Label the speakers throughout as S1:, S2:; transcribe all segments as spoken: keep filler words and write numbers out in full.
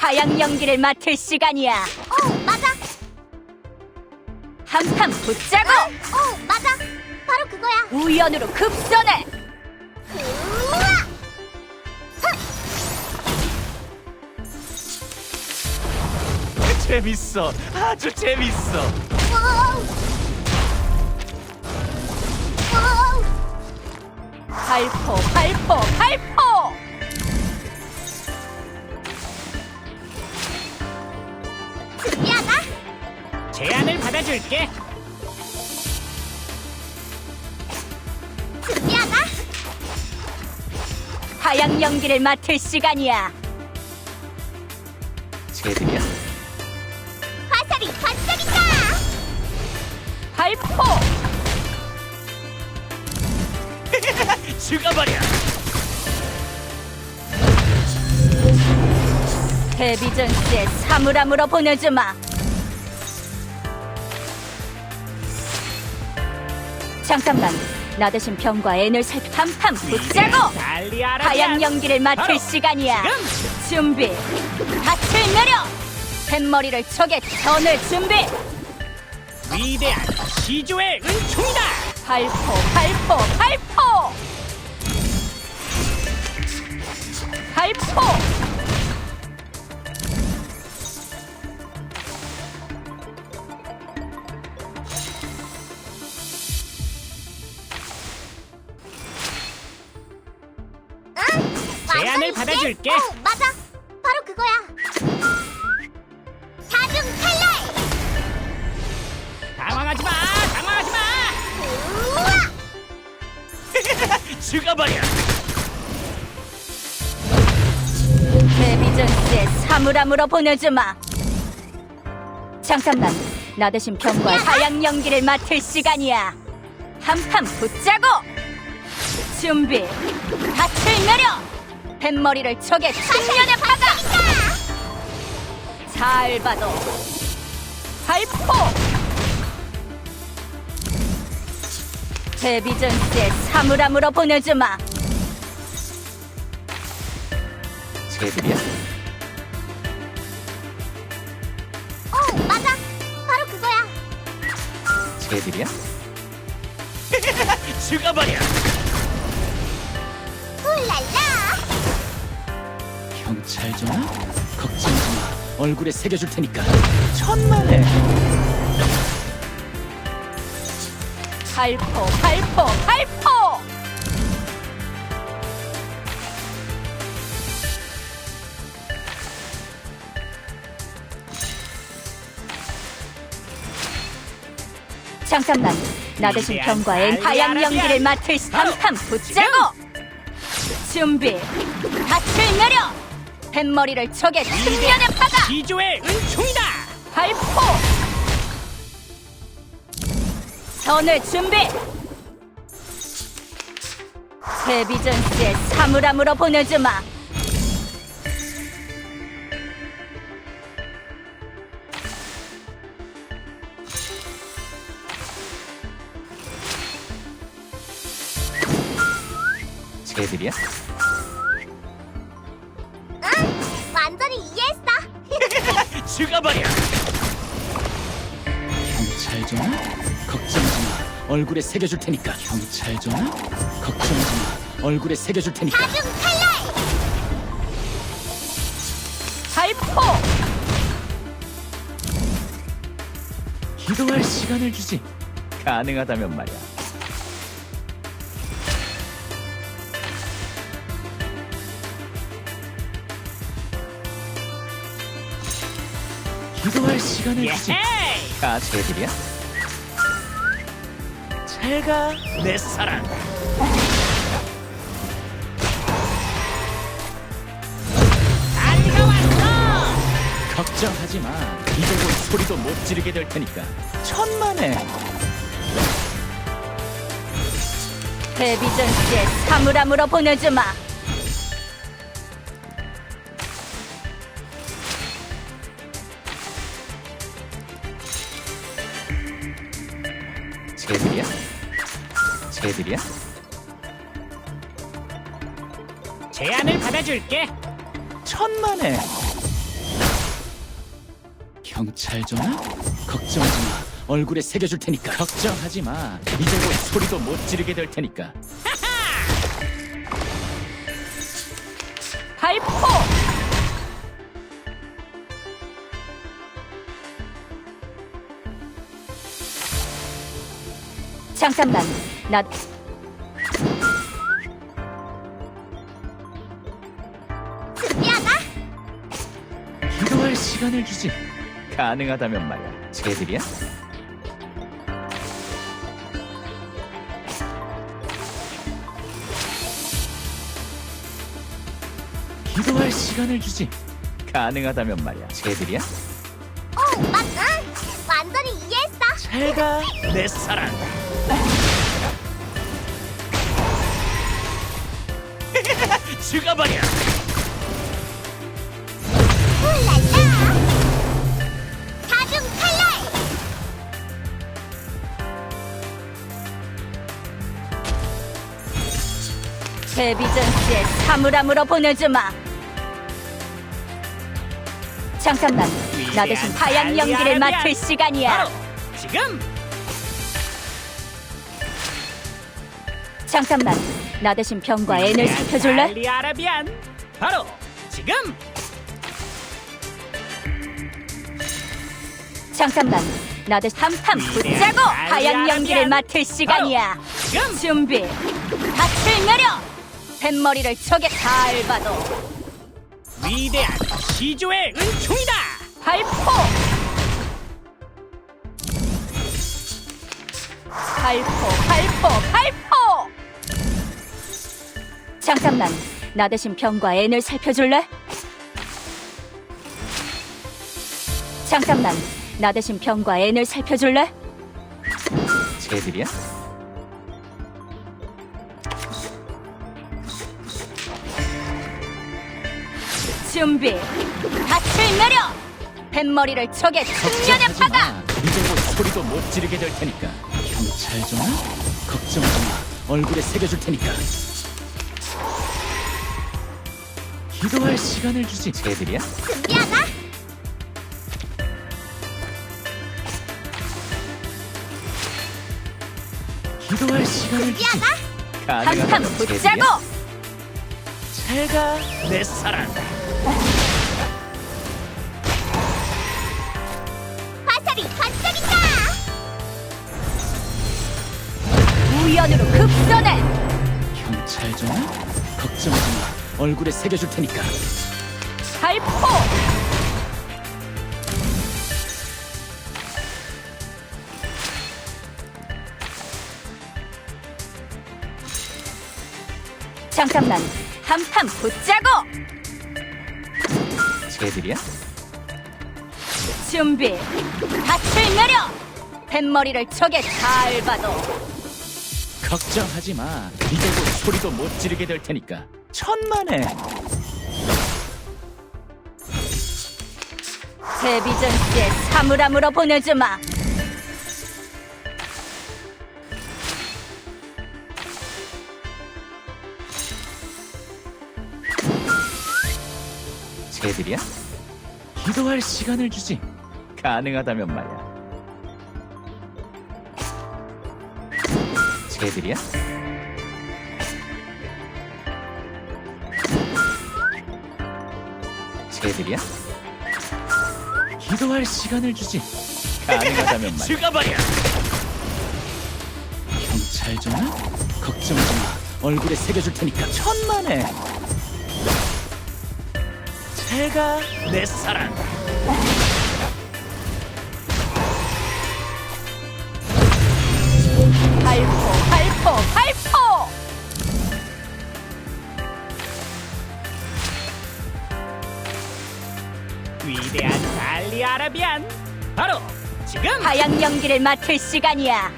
S1: 하양 연기를 맡을 시간이야.
S2: 어, 맞아.
S1: 한판 붙자고.
S2: 어, 맞아. 바로 그거야.
S1: 우연으로 급선해.
S2: 우와!
S3: 재밌어. 아주 재밌어.
S2: 와우! 와우!
S1: 발포, 발포, 발포.
S2: 준비하자.
S3: 제안을 받아줄게.
S2: 준비하자.
S1: 하양 연기를 맡을 시간이야.
S3: 쟤들이야?
S2: 화살이 반짝인다.
S1: 발포.
S3: 죽어버려.
S1: 데비전스의 사물함으로 보내주마. 잠깐만, 나 대신 병과 앤을 살피 한판 붙자고.
S3: 달리하라.
S1: 하양 연기를 맡을
S3: 바로
S1: 시간이야.
S3: 지금.
S1: 준비. 밭을 내려. 뱃머리를 적에 전을 준비.
S3: 위대한 시조의 은총이다.
S1: 발포, 발포, 발포. 발포.
S2: 응?
S3: 제안을
S2: 완전히
S3: 받아줄게.
S2: 예. 어, 맞아. 바로 그거야. 다중 탈날.
S3: 당황하지 마. 당황하지 마.
S2: 우와!
S3: 죽어버려.
S1: 데비전스의 사물함으로 보내주마. 잠깐만, 나 대신 병과 하양 연기를 맡을 시간이야. 한판 붙자고. 준비. 밭을 내려. 뱃머리를 적의 측면에 박아. 잘 봐도. 발포. 데비전스의 사물함으로 보내주마.
S3: 쟤들이야?
S2: 어, 맞아. 바로 그거야.
S3: 쟤들이야? 죽어버려.
S2: 훌랄라.
S3: 경찰 전화? 걱정하지 마. 얼굴에 새겨줄 테니까. 천만에.
S1: 발포, 발포, 발포. 잠깐만, 나 대신 병과 앤 하양 연기를 맡을 한판 붙자고. 준비. 밭을 내려. 뱃머리를 적의 측면에 박아.
S3: 시조의 은총이다.
S1: 발포. 선을 준비. 데비전스의 사물함으로 보내주마.
S3: 쟤들이야?
S2: 응? 완전히 이해했어.
S3: 죽어버려. 경찰 전화? 걱정하지 마. 얼굴에 새겨줄 테니까. 경찰 전화? 걱정하지 마. 얼굴에 새겨줄 테니까.
S2: 다중 탈날.
S1: 발포.
S3: 기도할 시간을 주지. 가능하다면 말이야. 기도할 시간을 주지. 아, 쟤들이야? 잘가, 내 사랑.
S2: 안가 왔어.
S3: 걱정하지 마. 이제 곧 소리도 못 지르게 될 테니까. 천만에.
S1: 데비전스의 사물함으로 보내주마.
S3: 쟤들이야? 쟤들이야? 제안을 받아줄게. 천만에. 경찰 전화? 걱정하지 마. 얼굴에 새겨줄 테니까. 걱정하지 마. 이제 곧 소리도 못 지르게 될 테니까.
S1: 발포! 잠깐만, 나
S2: 준비하자.
S3: 기도할 시간을 주지. 가능하다면 말이야. 쟤들이야? 기도할 시간을 주지. 가능하다면 말이야. 쟤들이야?
S2: 오, 맞아. 완전히 이해했어.
S3: 잘가 내 사랑. 죽어버려.
S2: 훌랄라. 다중 탈날.
S1: 데비전스의 사물함으로 보내주마. 잠깐만, 나 대신 하얀 연기를 맡을 시간이야.
S3: 지금.
S1: 잠깐만, 나 대신 병과 앤을 살펴줄래?
S3: 알리아라비안. 바로 지금.
S1: 잠깐만, 나 대신 한판 붙자고 하얀 연기를 맡을 시간이야.
S3: 지금.
S1: 준비, 밭을 내려! 뱃머리를 적에 다 밟아도
S3: 위대한 시조의 은총이다.
S1: 발포! 발포, 발포, 발포! 잠깐만, 나 대신 병과 앤을 살펴줄래? 잠깐만, 나 대신 병과 앤을 살펴줄래?
S3: 쟤들이야?
S1: 준비, 밭을 내려! 뱃머리를 적의 측면에 박아!
S3: 이제 곧 소리도 못 지르게 될 테니까. 경찰 전화? 걱정하지 마. 얼굴에 새겨줄 테니까. 기도할 시간을 주지. 쟤들이야?
S2: 준비하자.
S3: 기도할 시간을 주지.
S2: 준비하자.
S1: 한판 붙자고!
S3: 잘가 내 사랑.
S2: 화살이 반짝인다.
S1: 우연으로 급선해!
S3: 경찰 전화? 걱정하지 마. 얼굴에 새겨줄 테니까.
S1: 발포! 잠깐만, 한판 붙자고!
S3: 쟤들이야?
S1: 준비, 밭을 내려! 뱃머리를 적에 다 밟아도
S3: 걱정하지 마. 이제 곧 소리도 못 지르게 될 테니까. 천만에.
S1: 데비전스의 사물함으로 보내주마.
S3: 쟤들이야? 기도할 시간을 주지. 가능하다면 말이야. 쟤들이야? 쟤들이야? 기도할 시간을 주지. 가능하다면 말이야. 죽어버려. 경찰 전화? 걱정하지 마. 얼굴에 새겨줄 테니까. 천만에. 잘가 내 사랑.
S1: 발포, 발포, 발포!
S3: 위대한 알리아라비안. 바로 지금.
S1: 하얀 연기를 맡을 시간이야.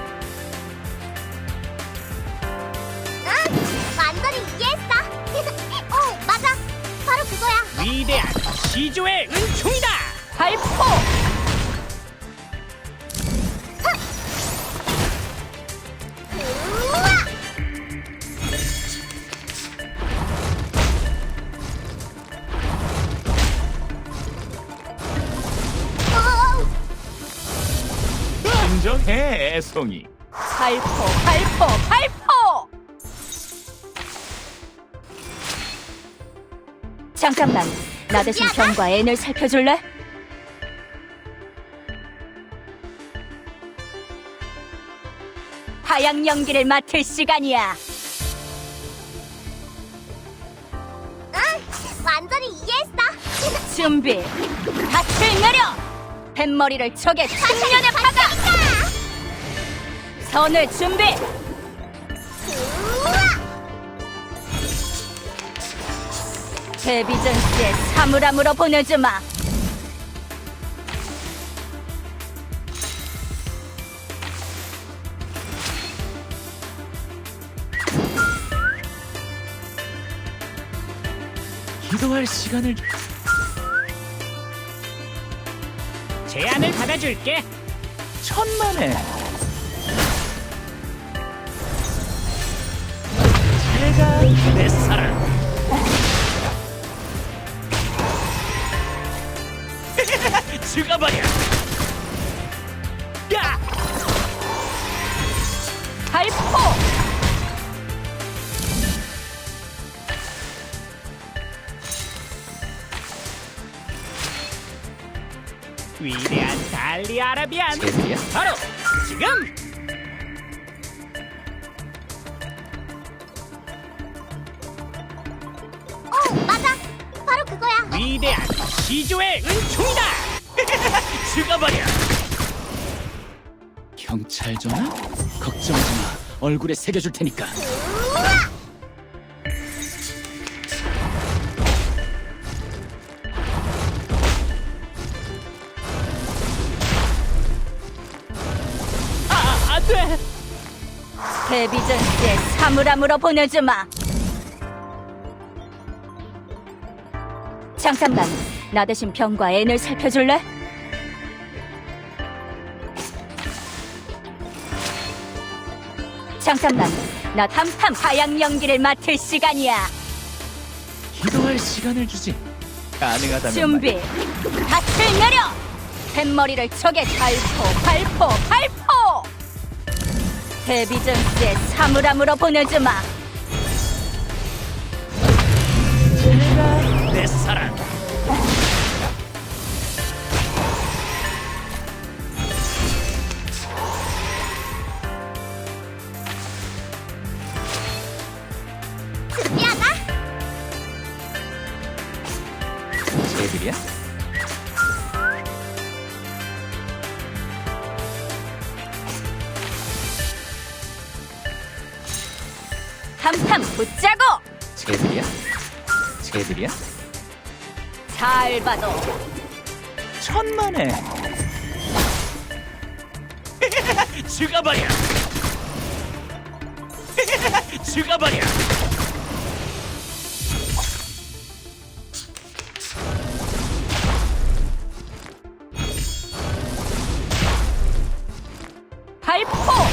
S2: 응, 완전히 이해했어. 오, 맞아. 바로 그거야.
S3: 위대한 시조의 은총이다.
S1: 발포!
S2: 우와! 오,
S3: 해, 애송이.
S1: 발포, 발포, 발포! 잠깐만, 나 대신 병과 앤을 살펴줄래? 하양 연기를 맡을 시간이야.
S2: 응, 완전히 이해했어.
S1: 준비, 밭을 내려! 뱃머리를 적의 측면에 박아! 선을 준비!
S2: 우와!
S1: 데비전스의 사물함으로 보내주마.
S3: 기도할 시간을 주-
S4: 제안을 받아줄게.
S3: 천만에. 제가 내 사랑. 죽어버려. 야!
S1: 발포!
S4: 위대한 달리 아라비안.
S3: 제들이야?
S4: 바로 지금.
S2: 어, 맞아. 바로 그거야.
S4: 위대한 시조의 은총이다.
S3: 죽어버려. 경찰 전화? 걱정하지 마. 얼굴에 새겨줄 테니까.
S2: 우와!
S4: 아, 안 돼.
S1: 데비전스의 사물함으로 보내주마. 잠깐만, 나 대신 병과 앤을 살펴줄래? 잠깐만, 나 한판 하양 연기를 맡을 시간이야.
S3: 기도할 시간을 주지. 가능하다면
S1: 준비, 밭을 내려! 뱃머리를 적의 발포, 발포, 발포! 데비전스의 사물함으로 보내주마.
S3: 제가 내 사랑.
S2: 준비하자.
S3: 제들이야?
S1: 한판 붙자고!
S3: 제들이야? 제들이야?
S1: 잘 봐도
S3: 천만에. 죽어버려. 죽어버려.
S1: 발포!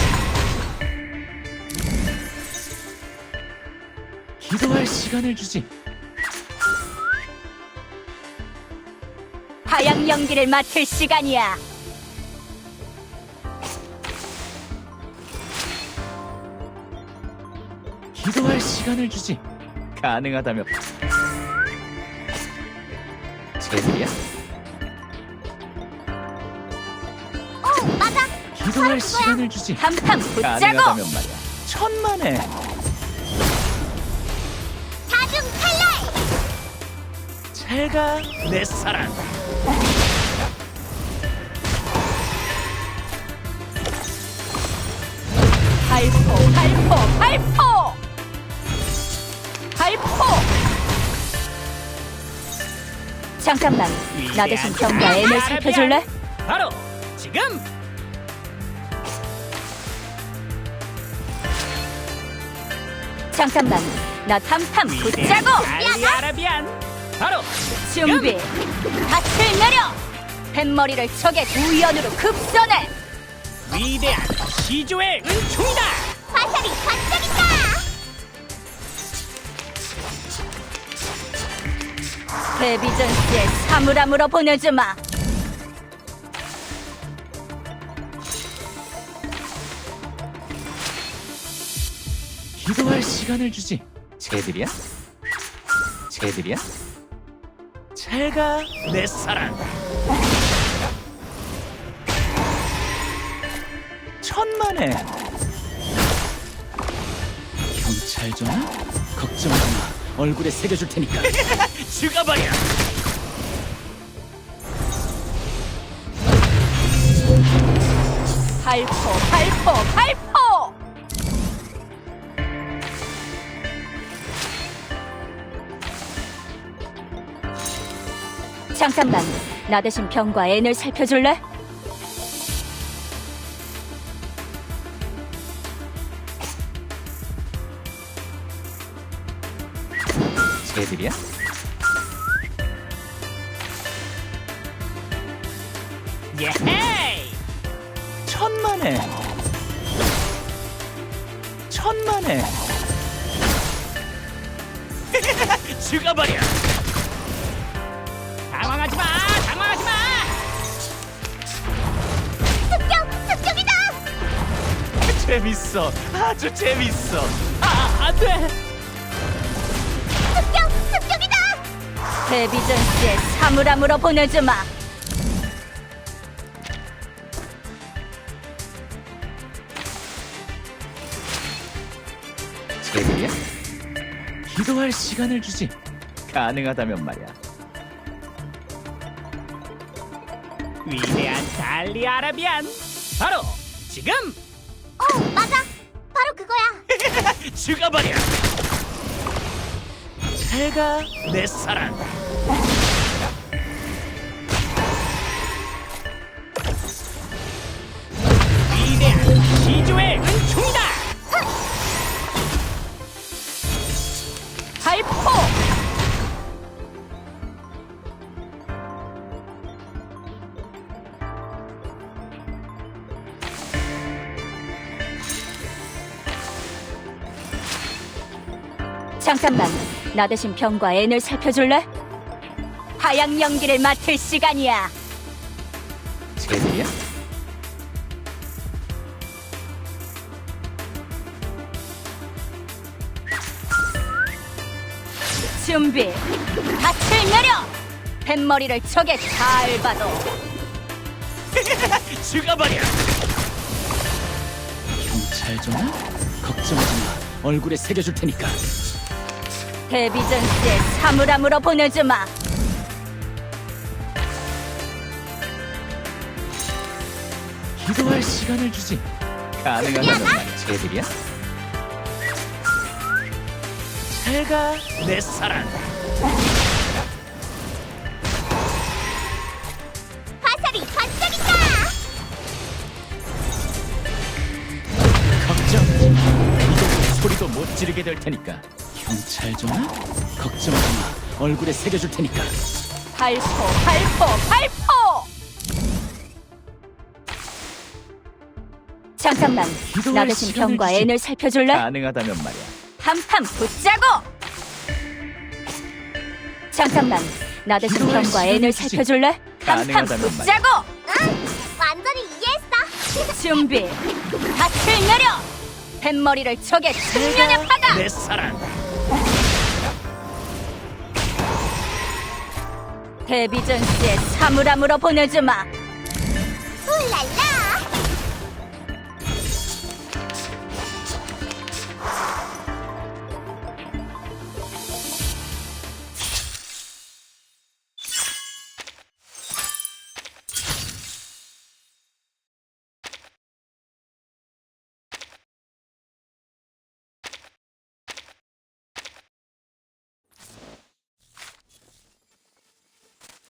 S3: 기도할 시간을 주지.
S1: 하양 연기를 맡을 시간이야.
S3: 기도할 시간을 주지. 가능하다면. 제들이야?
S2: 어, 맞아.
S3: 기도할 시간을 주지.
S1: 한판 붙자고!
S3: 가능하다면 말이야. 천만에.
S2: 다중 탈날.
S3: 잘가 내 사랑.
S1: 발포, 발포, 발포! 발포! 잠깐만, 나 대신 병과 앤을 살펴줄래?
S4: 바로 지금.
S1: 잠깐만, 나 한판
S4: 위대한
S1: 붙자고!
S4: 달리 아라비안. 바로
S1: 준비, 밭을 내려! 뱃머리를 적의 우연으로 급선해!
S4: 위대한 시조의 은총이다.
S2: 화살이 반짝인다.
S1: 데비전스의 사물함으로 보내주마.
S3: 시간을 주지. 쟤들이야? 쟤들이야?
S4: 잘가 내 사랑.
S3: 천만에. 경찰 전화? 걱정하지 마. 얼굴에 새겨줄 테니까.
S4: 죽어버려.
S1: 발포, 발포, 발포! 잠깐만, 나 대신 병과 앤을 살펴줄래?
S3: 쟤들이야?
S4: 예헤이.
S3: 천만에. 천만에.
S4: 죽어버려. 당황하지 마. 당황하지 마.
S2: 습격! 습격이다!
S3: 재밌어. 아주 재밌어.
S4: 아, 안 돼.
S2: 습격! 습격이다!
S1: 데비전스의 사물함으로 보내주마.
S3: 쟤들이야? 기도할 시간을 주지. 가능하다면 말이야.
S4: 위대한 달리 아라비안. 바로 지금
S2: 어, 맞아! 바로 그거야!
S4: 죽어버려. 잘가 내 사랑. 위대한 시조의 은총이다.
S1: 발포! 잠깐만, 나 대신 병과 앤을 살펴줄래? 하양 연기를 맡을 시간이야.
S3: 쟤들이야?
S1: 준비, 밭을 내려! 뱃머리를 적에 잘 봐도.
S4: 죽어버려.
S3: 경찰 전화? 걱정하지 마. 얼굴에 새겨줄 테니까.
S1: 데비전스의 사물함으로 보내주마.
S3: 기도할 시간을 주지. 가능하다면 말이야. 쟤들이야?
S4: 잘가 내 사랑.
S2: 화살이 반짝인다!
S3: 걱정하지 마. 이제는 소리도 못 지르게 될 테니까. 경찰 전화? 걱정하지 마. 얼굴에 새겨줄 테니까.
S1: 발포, 발포, 발포! 잠깐만, 나 대신
S3: 시간을
S1: 병과
S3: 주지.
S1: 앤을 살펴줄래?
S3: 가능하다면 말이야.
S1: 한판 붙자고! 잠깐만, 나 대신
S3: 기도할
S1: 병과
S3: 시간을
S1: 앤을
S3: 주지.
S1: 살펴줄래? 한판
S3: 가능하다면
S1: 붙자고!
S2: 응! 완전히 이해했어!
S1: 준비, 밭을 내려! 뱃머리를 적의 측면에 박아!
S4: 내 사랑.
S1: 데비전스의 사물함으로 보내주마.
S2: 훌랄라!